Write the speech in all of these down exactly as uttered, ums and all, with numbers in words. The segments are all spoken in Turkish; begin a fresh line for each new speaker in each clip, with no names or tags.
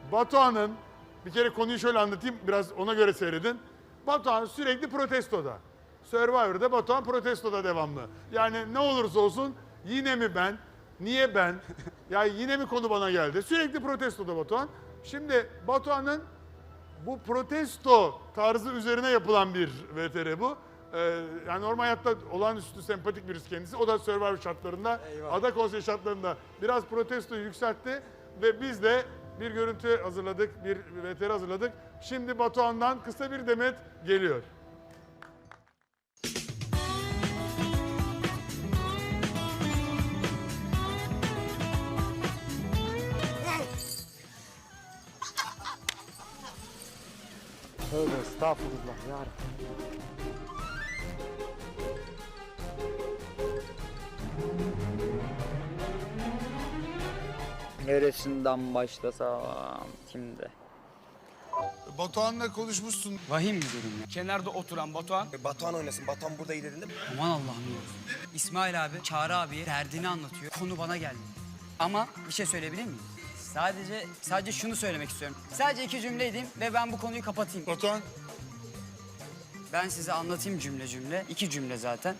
Batuhan'ın, bir kere konuyu şöyle anlatayım, biraz ona göre seyredin. Batuhan sürekli protestoda. Survivor'da Batuhan protestoda devamlı. Yani ne olursa olsun yine mi ben, niye ben, ya yine mi konu bana geldi? Sürekli protestoda Batuhan. Şimdi Batuhan'ın bu protesto tarzı üzerine yapılan bir V T R bu. Ee, yani normal hayatta olağanüstü sempatik birisi kendisi. O da Survivor şartlarında, Eyvallah. Ada Konsey şartlarında biraz protestoyu yükseltti. Ve biz de bir görüntü hazırladık, bir V T R hazırladık. Şimdi Batuhan'dan kısa bir demet geliyor.
Tövbe estağfurullah ya. Neresinden başlasam şimdi?
Batuhan'la konuşmuşsun.
Vahim bir durum ya. Kenarda oturan Batuhan.
E, Batuhan oynasın. Batuhan burada iyi dedin değil mi?
Aman Allah'ım ya. İsmail abi, Çağrı abiye derdini anlatıyor. Konu bana geldi. Ama bir şey söyleyebilir miyim? Sadece sadece şunu söylemek istiyorum. Sadece iki cümle edeyim ve ben bu konuyu kapatayım.
Batuhan.
Ben size anlatayım cümle cümle. İki cümle zaten.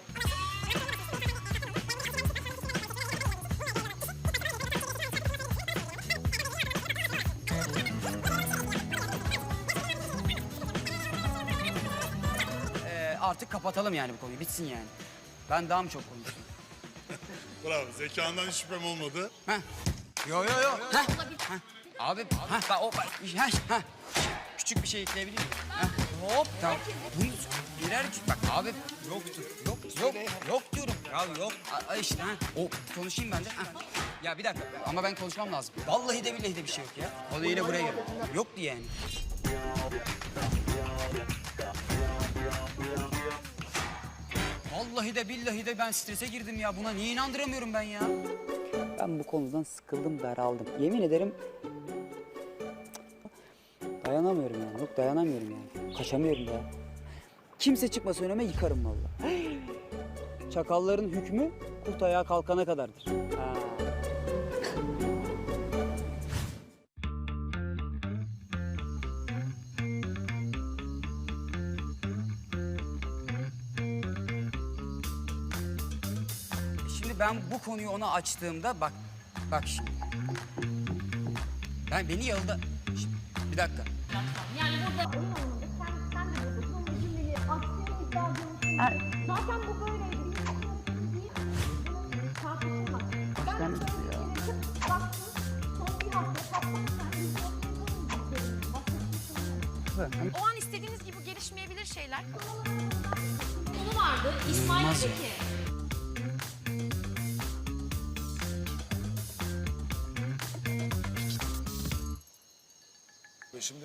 Ee, artık kapatalım yani bu konuyu. Bitsin yani. Ben daha mı çok konuştum?
Bravo. Zekandan hiç şüphem olmadı.
Heh. Yo yo yo. Heh. Heh. Abi, ha bak o bak, heh, heh. Küçük bir şey ekleyebilir miyim? Heh. Hop, tamam. Bunu birer bak abi yoktur. Yok, yok, yok diyorum. Ya yok. A, işte ha. O konuşayım ben de. Ha. Ya bir dakika ama ben konuşmam lazım. Vallahi de billahi de bir şey yok ya. O da yine buraya gel. Yoktu yani. Vallahi de billahi de ben strese girdim ya. Buna niye inandıramıyorum ben ya?
Ben bu konudan sıkıldım, daraldım. Yemin ederim dayanamıyorum yani. Yok dayanamıyorum yani. Kaçamıyorum ya. Kimse çıkmasa önüme yıkarım vallahi. Çakalların hükmü kurt ayağa kalkana kadardır. Ha.
Şimdi ben bu konuyu ona açtığımda bak, bak şimdi. Ben beni yılda... Şimdi, bir dakika.
Yani burada oyun oynadık. Sen, sen de buradasın. Ama cümleyi aksiyonu iddia ediyorsun. Zaten bu böyleydi. Bir bunu tartışılmaz. Ben böyle bir yere çık, baktım. Son bir hafta patlamışlar.
O an istediğiniz gibi gelişmeyebilir şeyler. Konu vardı. İsmail
İnanılmaz
dedi
ya.
ki.
Şimdi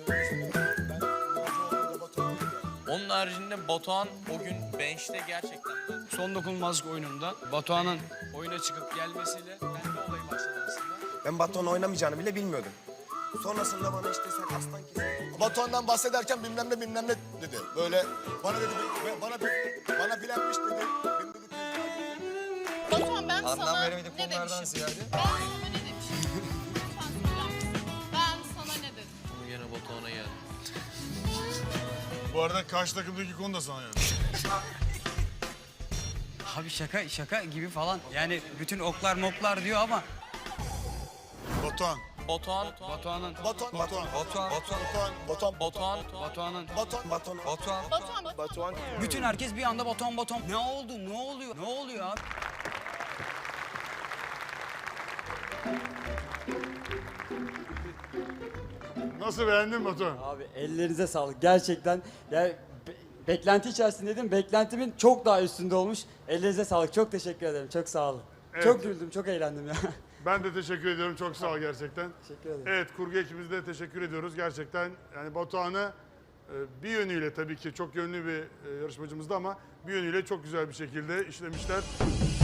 Onun haricinde Batuhan o gün bench'te gerçekten
Son dokunulmazlık oyununda Batuhan'ın oyuna çıkıp gelmesiyle ben de olayı başladı aslında.
ben Batuhan oynamayacağını bile bilmiyordum. Sonrasında bana işte sen aslan kesin.
Batuhan'dan bahsederken bilmem ne bilmem ne dedi. Böyle bana dedi, bana bana bilenmiş dedi. Benim dedi
Batuhan ben
anlam
sana
veremediğim
ne
konulardan
demişim?
ziyade.
Ben sana ne demişim? Lütfen söyler misin? Ben sana ne dedim?
Bunu gene Batuhan'a geldi.
Bu arada karşı takımdaki konu da sana yani.
Abi şaka şaka gibi falan. Yani bütün oklar moklar diyor ama
Batuhan.
Batuhan,
Batuhan'ın
Batuhan, Batuhan,
Batuhan,
Batuhan, Batuhan,
Batuhan,
Batuhan'ın
Batuhan,
Batuhan.
Batuhan.
Batuhan,
Batuhan.
bütün herkes bir anda Batuhan Batuhan. Ne oldu? Ne oluyor? Ne oluyor abi?
Nasıl beğendin Batuhan?
Abi ellerinize sağlık gerçekten. Yani be- beklenti içerisindeydim. Beklentimin çok daha üstünde olmuş. Ellerinize sağlık. Çok teşekkür ederim. Çok sağ olun.
Evet.
Çok güldüm, çok eğlendim ya.
Ben de teşekkür ediyorum. Çok sağ ol gerçekten.
Teşekkür ederim.
Evet, kurgu ekibimize de teşekkür ediyoruz. Gerçekten yani Batuhan'ı e, bir yönüyle tabii ki çok yönlü bir e, yarışmacımızdı ama bir yönüyle çok güzel bir şekilde işlemişler.